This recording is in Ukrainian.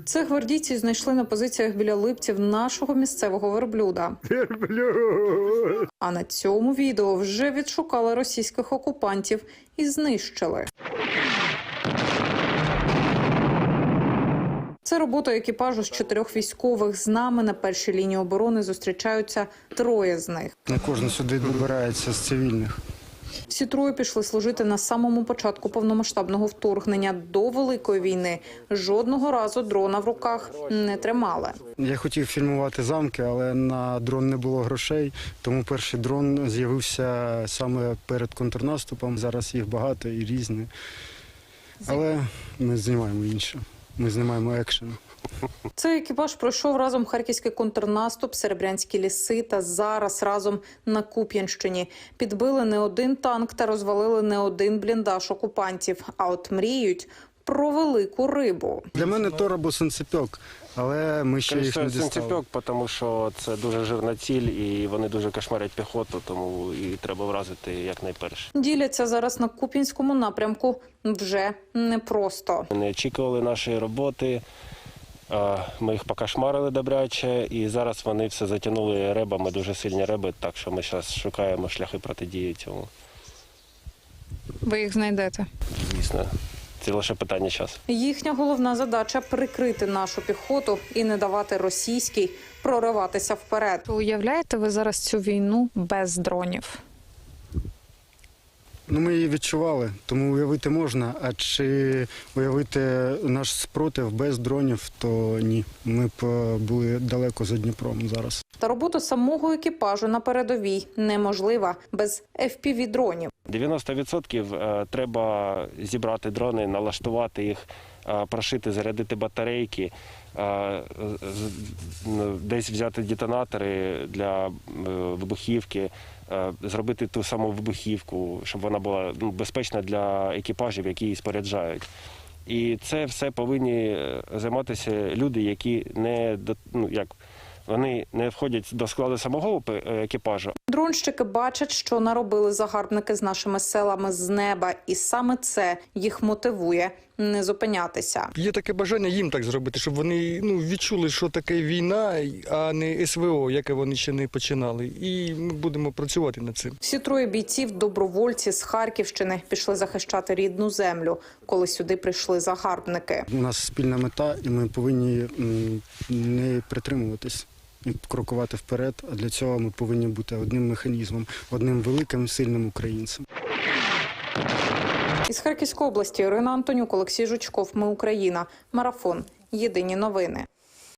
Цих гвардійців знайшли на позиціях біля Липців нашого місцевого верблюда. А на цьому відео вже відшукали російських окупантів і знищили. Це робота екіпажу з 4 військових. З нами на першій лінії оборони зустрічаються 3 з них. Не кожен сюди добирається з цивільних. Всі 3 пішли служити на самому початку повномасштабного вторгнення до Великої війни. Жодного разу дрона в руках не тримали. Я хотів фільмувати замки, але на дрон не було грошей, тому перший дрон з'явився саме перед контрнаступом. Зараз їх багато і різні. Але ми знімаємо інше. Ми знімаємо екшен. Цей екіпаж пройшов разом харківський контрнаступ, Серебрянські ліси та зараз разом на Куп'янщині. Підбили не один танк та розвалили не один бліндаж окупантів. А от мріють про велику рибу. Для мене тор або санцепьок, але ми ще їх не дістали. Санцепьок, тому що це дуже жирна ціль і вони дуже кошмарять піхоту, тому і треба вразити якнайперше. Діляться зараз на Куп'янському напрямку вже непросто. Не очікували нашої роботи, ми їх покошмарили добряче, і зараз вони все затягнули ребами, дуже сильні реби, так що ми зараз шукаємо шляхи протидії цьому. Ви їх знайдете? Звісно, це лише питання часу. Їхня головна задача – прикрити нашу піхоту і не давати російській прориватися вперед. Уявляєте ви зараз цю війну без дронів? Ми її відчували, тому уявити можна. А чи уявити наш спротив без дронів, то ні. Ми б були далеко за Дніпром зараз. Та робота самого екіпажу на передовій неможлива без FPV-дронів. 90% треба зібрати дрони, налаштувати їх, прошити, зарядити батарейки, десь взяти детонатори для вибухівки, зробити ту саму вибухівку, щоб вона була безпечна для екіпажів, які її споряджають. І це все повинні займатися люди, які вони не входять до складу самого екіпажу. Дронщики бачать, що наробили загарбники з нашими селами з неба, і саме це їх мотивує не зупинятися. Є таке бажання їм так зробити, щоб вони відчули, що таке війна, а не СВО, яке вони ще не починали. І ми будемо працювати над цим. Всі 3 бійців – добровольці з Харківщини, пішли захищати рідну землю, коли сюди прийшли загарбники. У нас спільна мета, і ми повинні не притримуватись і крокувати вперед. А для цього ми повинні бути одним механізмом, одним великим, сильним українцем. Із Харківської області Ірина Антонюк, Олексій Жучков. Ми Україна. Марафон. Єдині новини.